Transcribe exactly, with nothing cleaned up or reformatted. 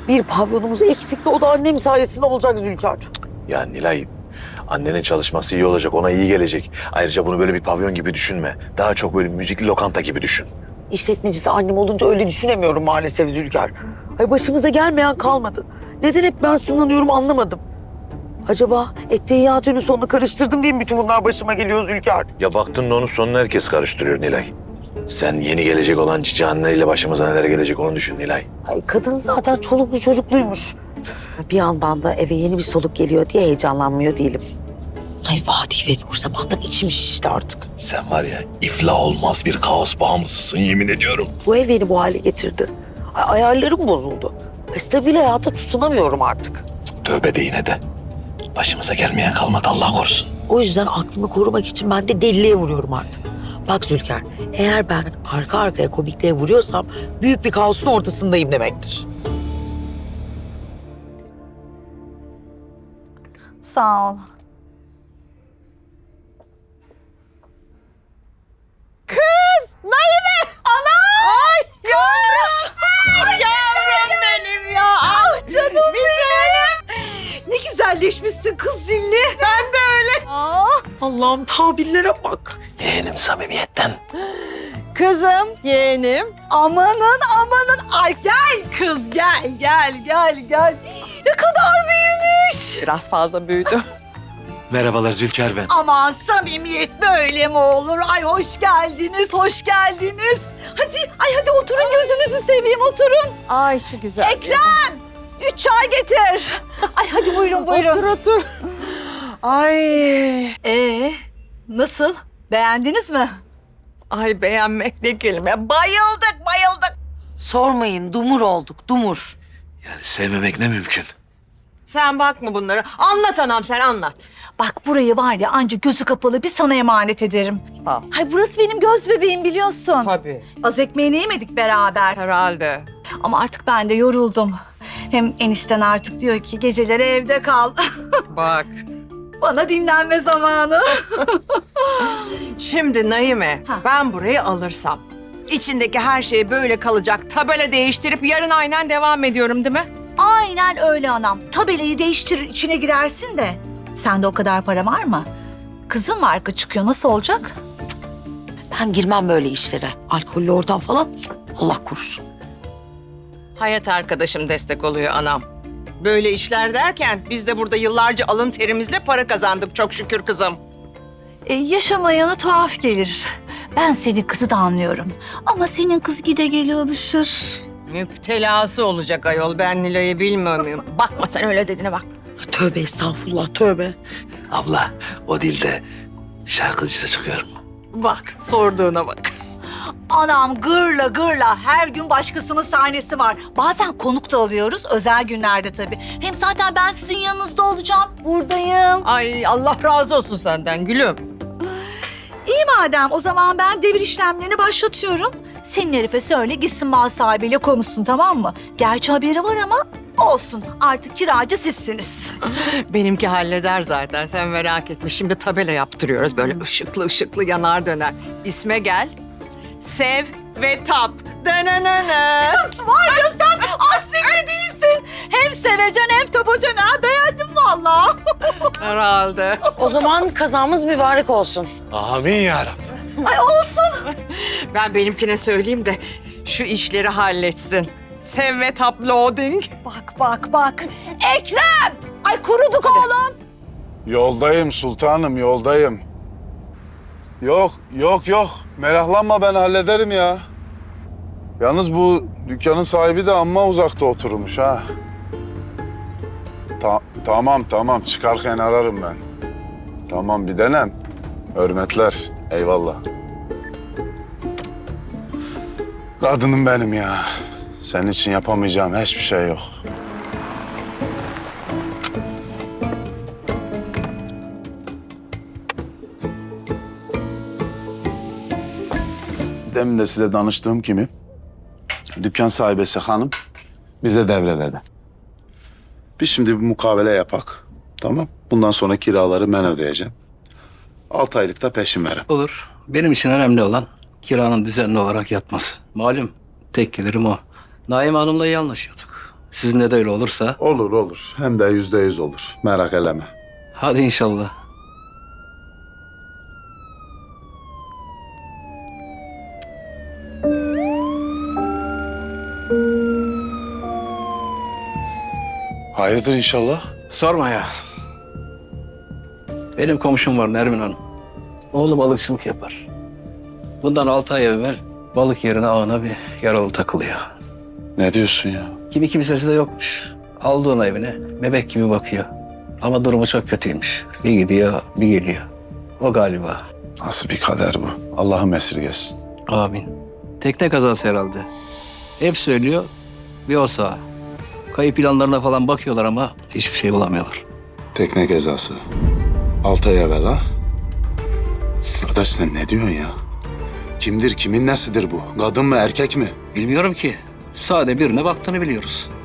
Bir pavyonumuz eksikti, o da annem sayesinde olacak Zülkar. Ya Nilay, annenin çalışması iyi olacak, ona iyi gelecek. Ayrıca bunu böyle bir pavyon gibi düşünme. Daha çok böyle müzikli lokanta gibi düşün. İşletmecisi annem olunca öyle düşünemiyorum maalesef Zülkar. Ay başımıza gelmeyen kalmadı. Neden hep ben sınanıyorum anlamadım. Acaba etteyyatünün sonunu karıştırdım diye mi bütün bunlar başıma geliyor Zülkar? Ya baktın da onun sonunu herkes karıştırıyor Nilay. Sen yeni gelecek olan cici anneyle başımıza neler gelecek onu düşün Nilay. Ay kadın zaten çoluklu çocukluymuş. Bir yandan da eve yeni bir soluk geliyor diye heyecanlanmıyor değilim. Ay Vadi ve Nur zamandan içim şişti artık. Sen var ya iflah olmaz bir kaos bağımlısısın yemin ediyorum. Bu ev beni bu hale getirdi. Ay, ayarlarım bozuldu. Ay, stabil hayata tutunamıyorum artık. Tövbe de yine de. Başımıza gelmeyen kalmadı Allah korusun. O yüzden aklımı korumak için ben de deliliğe vuruyorum artık. Bak Zülker, eğer ben arka arkaya komikliğe vuruyorsam büyük bir kaosun ortasındayım demektir. Sağ ol. Kız! Naime! Ana! Ay yavrum! Yavrum benim ya! Ah canım benim! Ne güzelleşmişsin kız zilli. Sen de öyle. Aa, Allah'ım tabirlere bak. Yeğenim samimiyetten. kızım, yeğenim. Amanın amanın. Ay gel kız gel gel gel gel. Ne kadar büyümüş. Biraz fazla büyüdü. Merhabalar Zülker ben. Aman samimiyet böyle mi olur? Ay hoş geldiniz, hoş geldiniz. Hadi, ay hadi oturun gözünüzü seveyim oturun. Ay şu güzel. Ekrem, üç çay getir. Ay hadi buyurun buyurun. Otur otur. Ay. Ee, nasıl? Beğendiniz mi? Ay beğenmek ne kelime. Bayıldık bayıldık. Sormayın, dumur olduk, dumur. Yani sevmemek ne mümkün. Sen bakma bunlara. Anlat anam sen anlat. Bak burayı var ya anca gözü kapalı bir sana emanet ederim. Al. Hay burası benim göz bebeğim biliyorsun. Tabii. Az ekmeğini yemedik beraber. Herhalde. Ama artık ben de yoruldum. Hem enişten artık diyor ki geceleri evde kal. Bak. Bana dinlenme zamanı. Şimdi Naime Ha. ben burayı alırsam içindeki her şey böyle kalacak. Tabela değiştirip yarın aynen devam ediyorum değil mi? Aynen öyle anam. Tabelayı değiştirir içine girersin de. Sende o kadar para var mı? Kızın marka çıkıyor nasıl olacak? Ben girmem böyle işlere. Alkollü ortam falan cık, Allah korusun. Hayat arkadaşım destek oluyor anam. Böyle işler derken biz de burada yıllarca alın terimizle para kazandık çok şükür kızım. E, yaşamayana tuhaf gelir. Ben senin kızı da anlıyorum. Ama senin kız gide geli alışır. Müptelası olacak ayol ben Nilay'ı bilmiyor muyum? Bakma sen öyle dediğine bak. Tövbe estağfurullah, tövbe. Abla o dilde şarkıcısı çıkıyor mu? Bak sorduğuna bak. Anam gırla gırla her gün başkasının sahnesi var. Bazen konuk da alıyoruz özel günlerde tabii. Hem zaten ben sizin yanınızda olacağım. Buradayım. Ay Allah razı olsun senden gülüm. İyi madem o zaman ben devir işlemlerini başlatıyorum. Senin herife söyle gitsin mal sahibiyle konuşsun tamam mı? Gerçi haberi var ama olsun artık kiracı sizsiniz. Benimki halleder zaten sen merak etme. Şimdi tabela yaptırıyoruz böyle ışıklı ışıklı yanar döner. İsme gel. Sev ve tap. Dananana. Var ya sen asil değilsin. Hem sevecen hem tapacan ha beğendim vallahi. Herhalde. O zaman kazamız mübarek olsun. Amin yarabbim. Ay olsun. Ben benimkine söyleyeyim de şu işleri halletsin. Sev ve tap loading. Bak bak bak. Ekrem. Ay kuruduk oğlum. Yoldayım sultanım, yoldayım. Yok, yok, yok. Meraklanma ben hallederim ya. Yalnız bu dükkanın sahibi de amma uzakta oturmuş ha. Ta- tamam, tamam. Çıkarken ararım ben. Tamam, bir denem. Hürmetler, eyvallah. Kadınım benim ya. Senin için yapamayacağım hiçbir şey yok. Demin de size danıştığım kimi? Dükkan sahibesi hanım bize devreledi. Biz şimdi bir mukavele yapak. Tamam. Bundan sonra kiraları ben ödeyeceğim. Altı aylık da peşin verin. Olur. Benim için önemli olan kiranın düzenli olarak yatması. Malum tek gelirim o. Naime Hanım'la iyi anlaşıyorduk. Sizinle de öyle olursa Olur olur. Hem de yüzde yüz olur. Merak eleme. hadi inşallah. Hayırdır inşallah? Sorma ya. Benim komşum var Nermin Hanım. Oğlu balıkçılık yapar. Bundan altı ay evvel balık yerine ağına bir yaralı takılıyor. Ne diyorsun ya? Kimi kimsesi de yokmuş. Aldı onu evine. Bebek gibi bakıyor. Ama durumu çok kötüymüş. Bir gidiyor, bir geliyor. O galiba. Nasıl bir kader bu? Allah'ım esirgesin. Amin. Tekne kazası herhalde. Hep söylüyor, bir o sağ. Kayıp planlarına falan bakıyorlar ama hiçbir şey bulamıyorlar. Tekne gezası. Altı ay evvel ha? Kardeş sen ne diyorsun ya? Kimdir, kimin nesidir bu? Kadın mı, erkek mi? Bilmiyorum ki. Sade birine baktığını biliyoruz.